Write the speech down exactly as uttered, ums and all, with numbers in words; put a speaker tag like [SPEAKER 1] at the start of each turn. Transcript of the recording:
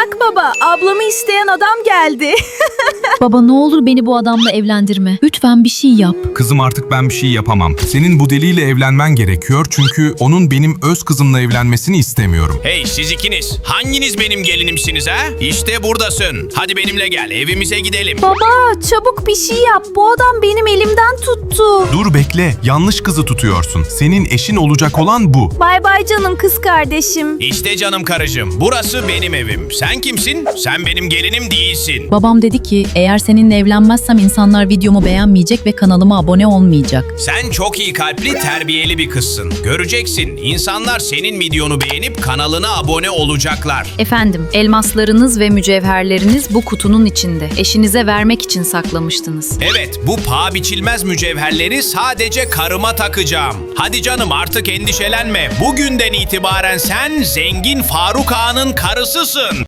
[SPEAKER 1] Bak baba, ablamı isteyen adam geldi.
[SPEAKER 2] Baba ne olur beni bu adamla evlendirme. Lütfen bir şey yap.
[SPEAKER 3] Kızım artık ben bir şey yapamam. Senin bu deliyle evlenmen gerekiyor çünkü onun benim öz kızımla evlenmesini istemiyorum.
[SPEAKER 4] Hey siz ikiniz, hanginiz benim gelinimsiniz ha? İşte buradasın. Hadi benimle gel, evimize gidelim.
[SPEAKER 1] Baba, çabuk bir şey yap. Bu adam benim elimden tuttu.
[SPEAKER 3] Dur bekle, yanlış kızı tutuyorsun. Senin eşin olacak olan bu.
[SPEAKER 1] Bay bay canım kız kardeşim.
[SPEAKER 4] İşte canım karıcığım, burası benim evim. Sen kimsin? Sen benim gelinim değilsin.
[SPEAKER 2] Babam dedi ki eğer seninle evlenmezsem insanlar videomu beğenmeyecek ve kanalıma abone olmayacak.
[SPEAKER 4] Sen çok iyi kalpli, terbiyeli bir kızsın. Göreceksin, insanlar senin videonu beğenip kanalına abone olacaklar.
[SPEAKER 5] Efendim, elmaslarınız ve mücevherleriniz bu kutunun içinde. Eşinize vermek için saklamıştınız.
[SPEAKER 4] Evet, bu paha biçilmez mücevherleri sadece karıma takacağım. Hadi canım artık endişelenme. Bugünden itibaren sen zengin Faruk Ağa'nın karısısın.